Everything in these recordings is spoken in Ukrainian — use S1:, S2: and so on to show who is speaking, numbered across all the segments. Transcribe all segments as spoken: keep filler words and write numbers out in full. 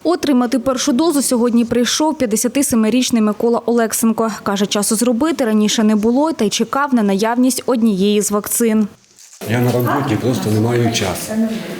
S1: Отримати першу дозу сьогодні прийшов п'ятдесятисемирічний Микола Олексенко. Каже, часу зробити раніше не було та й чекав на наявність однієї з вакцин.
S2: Я на роботі, просто не маю часу.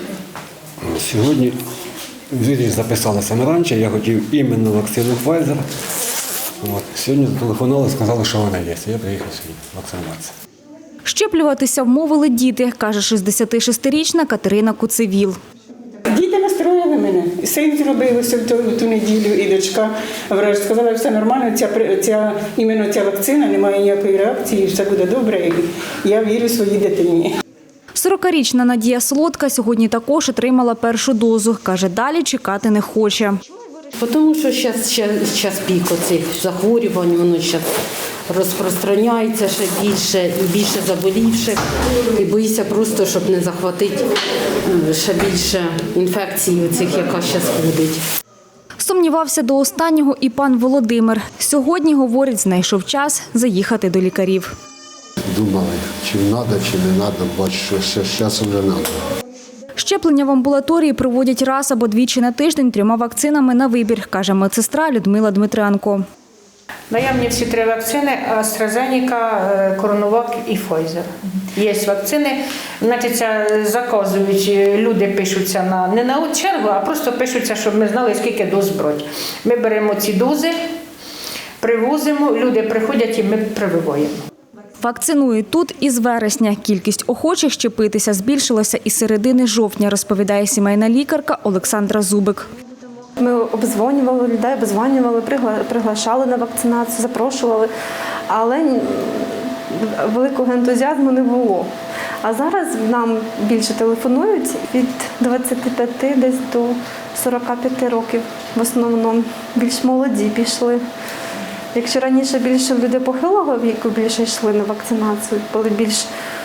S2: Сьогодні звідси записалася раніше, я хотів іменно вакцину Pfizer. От. Сьогодні зателефонували, сказали, що вона є. Я приїхав сьогодні вакцинуватися.
S1: Щеплюватися вмовили діти, каже шістдесятишестирічна Катерина Куцевіл.
S3: Діти настроїли мене. Син зробив в ту, ту неділю, і дочка враж сказала, все нормально, ця, ця, іменно ця вакцина, немає ніякої реакції, все буде добре, і я вірю своїй дитині.
S1: сорокарічна Надія Солодка сьогодні також отримала першу дозу. Каже, далі чекати не хоче.
S4: Тому що зараз пік оцих захворювань, воно зараз розпространяється ще більше, і більше заболівших. І боїся просто, щоб не захватити ще більше інфекцій оцих, яка зараз ходить.
S1: Сумнівався до останнього і пан Володимир. Сьогодні, говорить, знайшов час заїхати до лікарів.
S5: Думали, чи треба, чи не треба, бачу, що ще з часом не треба.
S1: Щеплення в амбулаторії проводять раз або двічі на тиждень трьома вакцинами на вибір, каже медсестра Людмила Дмитренко.
S6: Наявні всі три вакцини – AstraZeneca, CoronaVac і Pfizer. Є вакцини, значить, заказують, люди пишуться на, не на чергу, а просто пишуться, щоб ми знали, скільки доз брати. Ми беремо ці дози, привозимо, люди приходять і ми прививаємо.
S1: Вакцинують тут із вересня. Кількість охочих щепитися збільшилася із середини жовтня, розповідає сімейна лікарка Олександра Зубик.
S7: Ми обдзвонювали людей, обдзвонювали, приглашали на вакцинацію, запрошували, але великого ентузіазму не було. А зараз нам більше телефонують від двадцяти п'яти десь до сорока п'яти років. В основному більш молоді пішли. Якщо раніше більше люди похилого віку більше йшли на вакцинацію, були більш,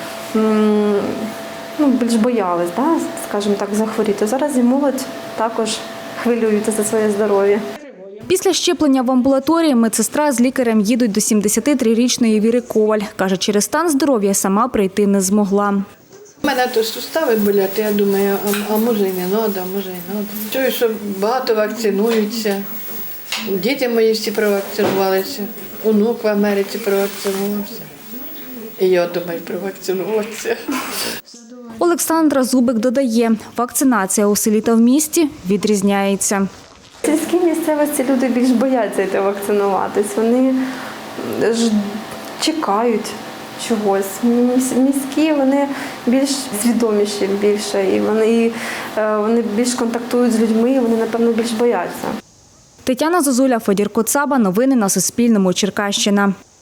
S7: ну, більш боялись, да, скажімо так, захворіти. Зараз і молодь також хвилюються за своє здоров'я.
S1: Після щеплення в амбулаторії медсестра з лікарем їдуть до сімдесятитрирічної Віри Коваль. Каже, через стан здоров'я сама прийти не змогла.
S8: У мене то сустави болять, я думаю, а, а може і не треба, а може і треба. Чую, що багато вакцинуються. Діти мої всі провакцинувалися, онук в Америці провакцинувався. І я думаю, провакцинуватися.
S1: Олександра Зубик додає, вакцинація у селі та в місті відрізняється.
S7: В сільській місцевості люди більш бояться йти вакцинуватись, вони ж чекають чогось. Міські вони більш свідоміші більше, і вони, вони більш контактують з людьми, і вони, напевно, більш бояться.
S1: Тетяна Зозуля, Федір Коцаба. Новини на Суспільному. Черкащина.